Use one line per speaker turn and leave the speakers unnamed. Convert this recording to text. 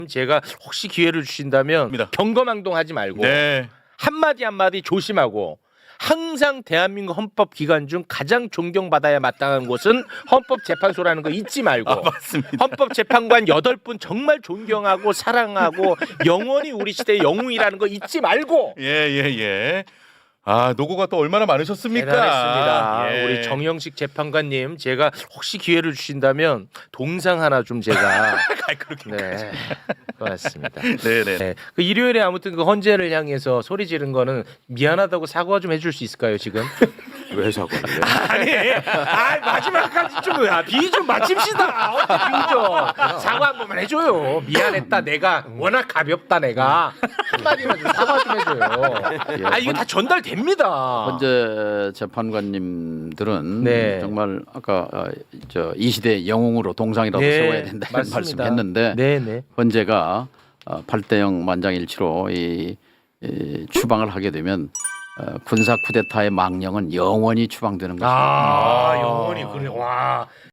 제가 혹시 기회를 주신다면 경거망동하지 말고 한마디 한마디 조심하고 항상 대한민국 헌법 기관 중 가장 존경받아야 마땅한 곳은 헌법재판소라는 거 잊지 말고 헌법재판관 8분 정말 존경하고 사랑하고 영원히 우리 시대의 영웅이라는 거 잊지 말고
예. 아, 노고가 또 얼마나 많으셨습니까?
대단했습니다.
예.
우리 정영식 재판관님 제가 혹시 기회를 주신다면 동상 하나 좀 제가 네, 고맙습니다.
네네.
네. 그 일요일에 아무튼 그 헌재를 향해서 소리 지른 거는 미안하다고 사과 좀 해줄 수 있을까요 지금?
왜 사과를 해?
아니, 마지막까지 비 좀 맞춥시다. 비 좀 사과 한 번만 해줘요. 미안했다 내가 워낙 가볍다 내가 한마디만 좀 사과 좀 해줘요. 아 이거 다 전달됩니다.
헌재 재판관님들은
네.
정말 아까 이 시대 영웅으로 동상이라도
네,
세워야 된다는
맞습니다.
말씀했는데
네네.
헌재가 8대0 만장일치로 이 추방을 하게 되면 군사 쿠데타의 망령은 영원히 추방되는 것입니다.
영원히 그래 와.